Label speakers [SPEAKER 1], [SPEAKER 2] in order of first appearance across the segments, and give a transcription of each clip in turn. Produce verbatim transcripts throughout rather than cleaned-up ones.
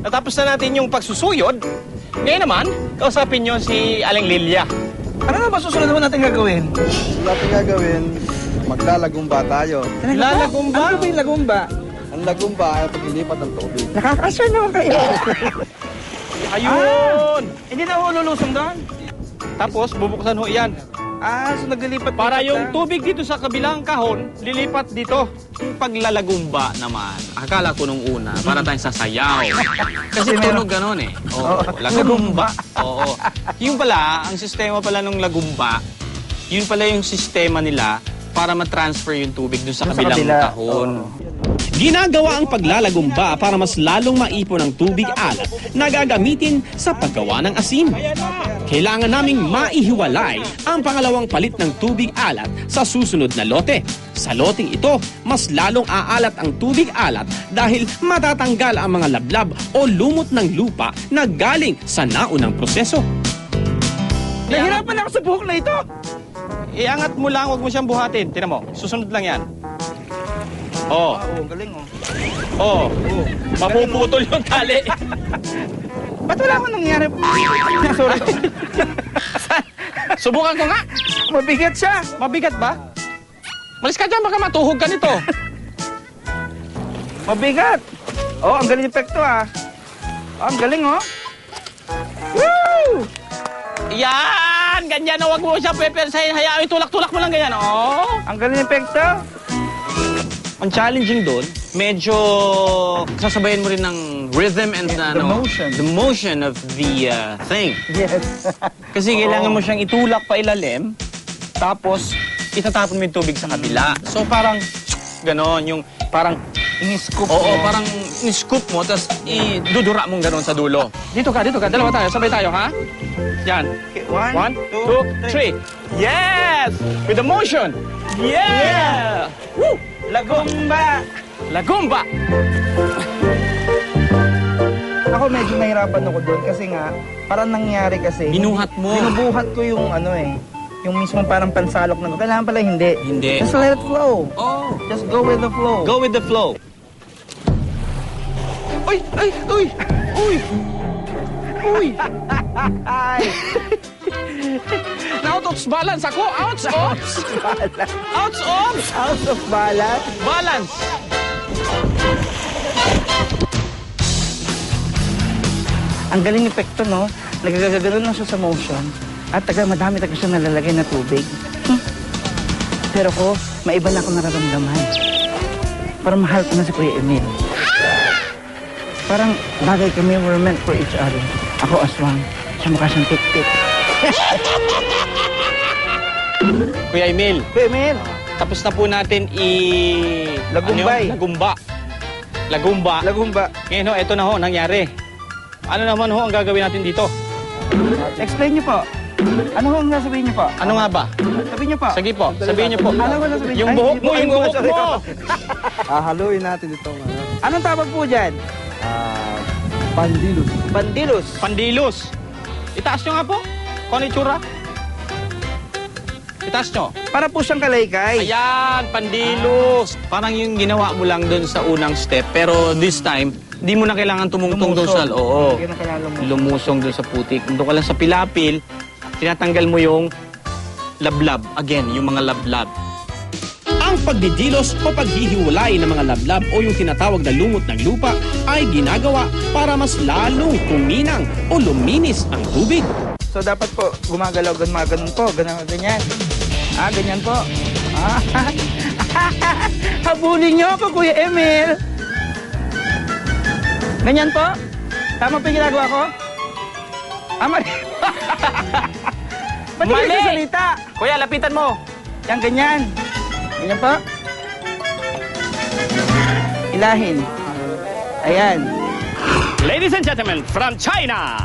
[SPEAKER 1] natapos na natin yung pagsusuyod. Ngayon naman, kausapin nyo si Aling Lilia.
[SPEAKER 2] Ano na ba susunod naman natin gagawin?
[SPEAKER 3] Natin gagawin, maglalagumba tayo.
[SPEAKER 2] Lalagumba? Ano ba yung lagumba?
[SPEAKER 3] Ang lagumba ay paglilipat ng tubig.
[SPEAKER 2] Nakakasya naman kayo.
[SPEAKER 1] Ayun!
[SPEAKER 2] Ah, hindi na ho lulusong doon?
[SPEAKER 1] Tapos, bubuksan ho yan.
[SPEAKER 2] Ah, so naglilipat
[SPEAKER 1] Para yung
[SPEAKER 2] na.
[SPEAKER 1] tubig dito sa kabilang kahon, lilipat dito.
[SPEAKER 4] Paglalagumba naman, akala ko nung una, para tayong sasayaw. Kasi tunog ganon eh. Oo, lagumba. Oo. Yung pala, ang sistema pala ng lagumba, yun pala yung sistema nila para ma-transfer yung tubig dun sa
[SPEAKER 2] Dun sa
[SPEAKER 4] kabilang
[SPEAKER 2] kabila.
[SPEAKER 4] kahon.
[SPEAKER 5] Ginagawa ang paglalagumba para mas lalong maipon ang tubig alat na gagamitin sa paggawa ng asin. Kailangan naming maihiwalay ang pangalawang palit ng tubig alat sa susunod na lote. Sa loteng ito, mas lalong aalat ang tubig alat dahil matatanggal ang mga lablab o lumot ng lupa na galing sa naunang proseso.
[SPEAKER 2] Nahirapan ako sa buhok na ito.
[SPEAKER 1] Iangat mo lang, huwag mo siyang buhatin. Tinan mo, susunod lang yan. Oh.
[SPEAKER 2] Oo, galing oh.
[SPEAKER 1] Oh. Mapuputol yung tali.
[SPEAKER 2] Ba't wala akong nangyari? Sorry.
[SPEAKER 1] Subukan ko nga.
[SPEAKER 2] Mabigat siya.
[SPEAKER 1] Mabigat ba? Malis ka dyan, baka matuhog ka nito.
[SPEAKER 2] Mabigat. Oh, ang galing epekto ah. Oh, ang galing oh. Woo!
[SPEAKER 1] Yan! Ganyan na, huwag mo siya pepersahin. Hayaan, itulak-tulak mo lang ganyan. Oh.
[SPEAKER 2] Ang galing epekto.
[SPEAKER 4] Ang challenging doon, medyo sasabayan mo rin ng rhythm and
[SPEAKER 2] The
[SPEAKER 4] ano,
[SPEAKER 2] motion.
[SPEAKER 4] the motion of the uh, thing.
[SPEAKER 2] Yes.
[SPEAKER 4] Kasi kailangan mo siyang itulak pa ilalim, tapos itatapon mo yung tubig sa kabila. So parang ganon, yung parang
[SPEAKER 2] Ini-scoop
[SPEAKER 4] oo,
[SPEAKER 2] mo.
[SPEAKER 4] parang ni-scoop mo, tapos idudura mong ganon sa dulo.
[SPEAKER 1] Dito ka, dito ka. Dalawa tayo, sabay tayo, ha? Yan.
[SPEAKER 2] Okay, one,
[SPEAKER 1] One, two, three. Yes! With the motion. Yeah! Woo!
[SPEAKER 2] Lagumba.
[SPEAKER 1] Lagumba!
[SPEAKER 2] Ako medyo nahirapan ako doon kasi nga, parang nangyari kasi.
[SPEAKER 4] Binuhat mo.
[SPEAKER 2] Binubuhat ko yung ano eh. Yung mismo parang pansalok na. Kailangan pala hindi.
[SPEAKER 4] Hindi.
[SPEAKER 2] Just let it flow.
[SPEAKER 4] Oh,
[SPEAKER 2] Just go with the flow.
[SPEAKER 4] go with the flow.
[SPEAKER 1] Uy! Ay! Uy! Uy! Uy!
[SPEAKER 2] Ay!
[SPEAKER 1] Na-out of balance ako! Outs! Outs! Outs! Outs!
[SPEAKER 2] Out of balance.
[SPEAKER 1] Balance!
[SPEAKER 2] Ang galing epekto, no? Nagagagano'n lang siya sa motion. At taga madami taga siya nalalagay na tubig. Hmm. Pero ko, maiba na ako nararamdaman. Parang mahal ko na si Kuya Emil. Parang bagay kami, we're meant for each other. Ako aswang, siya mukha siyang tik-tik.
[SPEAKER 1] Kuya Emil,
[SPEAKER 2] Kuya Emil!
[SPEAKER 1] tapos na po natin i...
[SPEAKER 2] Lagumbay.
[SPEAKER 1] Ano yun? Lagumba. Lagumba.
[SPEAKER 2] Lagumba.
[SPEAKER 1] Ngayon ho, ito na ho, nangyari. Ano naman ho ang gagawin natin dito?
[SPEAKER 2] Explain niyo po. Ano ho ang sasabihin niyo po?
[SPEAKER 1] Ano nga ba?
[SPEAKER 2] Sabihin niyo po.
[SPEAKER 1] Sige po, sabihin niyo po.
[SPEAKER 2] Ano ba sasabihin?
[SPEAKER 1] Yung
[SPEAKER 2] Ay,
[SPEAKER 1] buhok
[SPEAKER 2] hindi
[SPEAKER 1] mo,
[SPEAKER 2] po.
[SPEAKER 1] yung
[SPEAKER 2] Ay,
[SPEAKER 1] buhok
[SPEAKER 2] sorry.
[SPEAKER 1] mo!
[SPEAKER 3] Hahaluin natin itong ano,
[SPEAKER 2] Anong tawag po dyan?
[SPEAKER 3] ah, pandilus.
[SPEAKER 2] Bandilus.
[SPEAKER 1] Pandilus. Itaas nyo nga po. Kung ano itsura? Itaas nyo.
[SPEAKER 2] Para po siyang kalaykay.
[SPEAKER 1] Ayan, pandilus.
[SPEAKER 4] Parang yung ginawa mo lang doon sa unang step, pero this time, di mo na kailangan tumungtong doon sa... Oo.
[SPEAKER 2] Hindi na kailangan lumusong.
[SPEAKER 4] Lumusong doon sa putik. Doon ka lang sa pilapil, tinatanggal mo yung lablab. Again, yung mga lablab.
[SPEAKER 5] Ang pagdidilos o paghihiwalay ng mga lablab o yung tinatawag na lumot ng lupa ay ginagawa para mas lalong kuminang o luminis ang tubig.
[SPEAKER 2] So dapat po gumagalaw, ganun po, ganun, ganyan. Ah, ganyan po. Ah, habulin niyo ako, Kuya Emil. Ganyan po? Tama po yung ginagawa ko? Ah, mali. Ba't hindi
[SPEAKER 1] Mali!
[SPEAKER 2] kayo salita?
[SPEAKER 1] Kuya, lapitan mo.
[SPEAKER 2] Yan, ganyan. Ganyan po. Ilahin. Ayan.
[SPEAKER 1] Ladies and gentlemen, from China.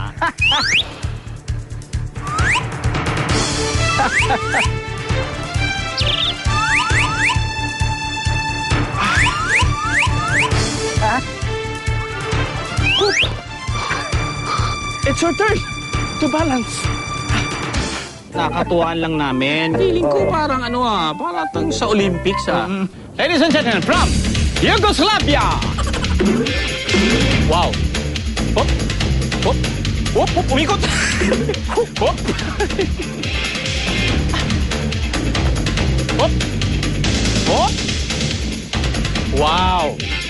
[SPEAKER 1] It's your turn to balance.
[SPEAKER 4] Nakatuwaan lang namin. Feeling ko parang ano ah, parang sa Olympics ah.
[SPEAKER 1] Ladies and gentlemen, from Yugoslavia. Wow.
[SPEAKER 4] Hop! Hop! Hop! Umikot! Hop! Hop! Hop! Wow!